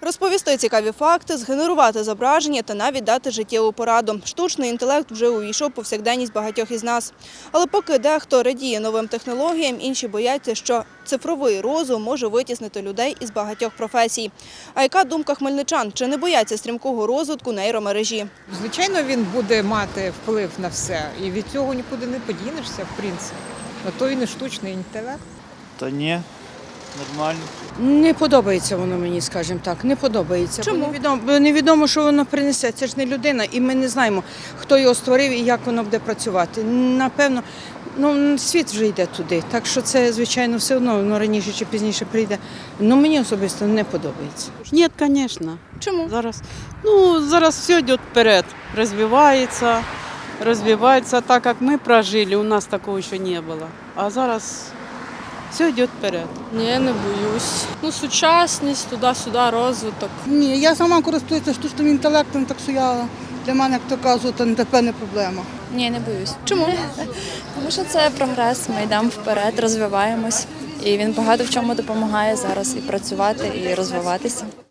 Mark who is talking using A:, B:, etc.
A: Розповісти цікаві факти, згенерувати зображення та навіть дати життєву пораду. Штучний інтелект вже увійшов у повсякденність багатьох із нас. Але поки дехто радіє новим технологіям, інші бояться, що цифровий розум може витіснити людей із багатьох професій. А яка думка хмельничан? Чи не бояться стрімкого розвитку нейромережі?
B: Звичайно, він буде мати вплив на все. І від цього нікуди не подінешся, в принципі. На то він і штучний інтелект.
C: Та ні, нормально.
D: Не подобається воно мені, скажімо так, не подобається.
A: Чому?
D: Бо невідомо, що воно принесе. Це ж не людина, і ми не знаємо, хто його створив і як воно буде працювати. Напевно, світ вже йде туди, так що це, звичайно, все одно, воно раніше чи пізніше прийде. Мені особисто не подобається.
E: Нет, конечно.
A: Чому?
E: Зараз все йде вперед, розвивається так, як ми прожили, у нас такого ще не було. А зараз все йде вперед.
F: Ні, не боюсь. Сучасність, туди-сюди, розвиток.
G: Ні, я сама користуюся штучним інтелектом, так що для мене, як то кажуть, то тепер не проблема.
H: Ні, не боюсь.
A: Чому?
H: Тому що це прогрес, ми йдемо вперед, розвиваємось. І він багато в чому допомагає зараз і працювати, і розвиватися.